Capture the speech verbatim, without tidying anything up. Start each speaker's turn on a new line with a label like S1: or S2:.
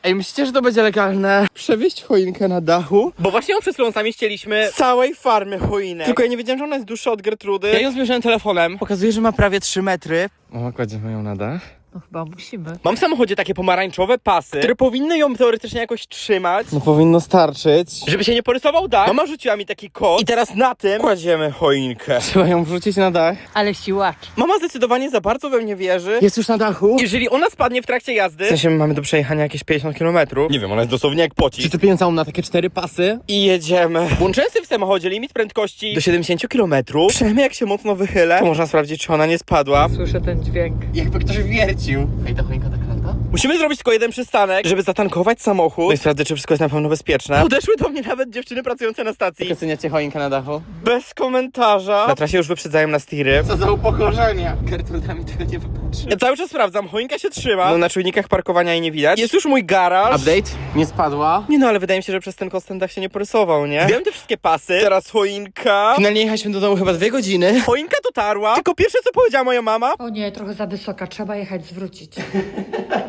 S1: Ej, myślicie, że to będzie legalne? Przewieźć choinkę na dachu?
S2: Bo właśnie ją przed chwilą sami ścieliśmy
S1: Z całej farmy choinek. Tylko ja nie wiedziałem, że ona jest dłuższa od Gertrudy. Ja ją zmierzyłem telefonem. Pokazuje, że ma prawie trzy metry. Mama, kładziemy ją na dach.
S3: No chyba musimy.
S2: Mam w samochodzie takie pomarańczowe pasy, które powinny ją teoretycznie jakoś trzymać,
S1: No powinno starczyć.
S2: żeby się nie porysował dach. Mama rzuciła mi taki kod i teraz na tym kładziemy choinkę.
S1: Trzeba ją wrzucić na dach.
S3: Ale siłacz.
S2: Mama zdecydowanie za bardzo we mnie wierzy.
S1: Jest już na dachu?
S2: Jeżeli ona spadnie w trakcie jazdy, w sensie mamy do przejechania jakieś pięćdziesiąt kilometrów. Nie wiem, ona jest dosłownie jak pocisk.
S1: Przyczepiłem całą na takie cztery pasy.
S2: I jedziemy. Włączyłem sobie w samochodzie limit prędkości do siedemdziesiąt kilometrów. Przynajmniej jak się mocno wychylę, to można sprawdzić, czy ona nie spadła.
S3: Słyszę ten dźwięk.
S1: Jakby ktoś wiercił. Ej, ta choinka tak lata?
S2: Musimy zrobić tylko jeden przystanek, żeby zatankować samochód. No i sprawdzę, czy wszystko jest na pewno bezpieczne. Podeszły do mnie nawet dziewczyny pracujące na stacji.
S1: Oceniacie choinkę na dachu?
S2: Bez komentarza. Na trasie już wyprzedzają nas tiry.
S1: Co za upokorzenie. Gertruda mi tego nie wybaczy.
S2: Ja cały czas sprawdzam, choinka się trzyma. No na czujnikach parkowania jej nie widać. Jest już mój garaż.
S1: Update? Nie spadła.
S2: Nie no, ale wydaje mi się, że przez ten kost ten dach się nie porysował, nie? Wiem te wszystkie pasy. Teraz choinka.
S1: Finalnie jechaliśmy do domu chyba dwie godziny.
S2: Choinka dotarła. Tylko pierwsze, co powiedziała moja mama.
S3: O nie, trochę za wysoka, trzeba jechać zwrócić.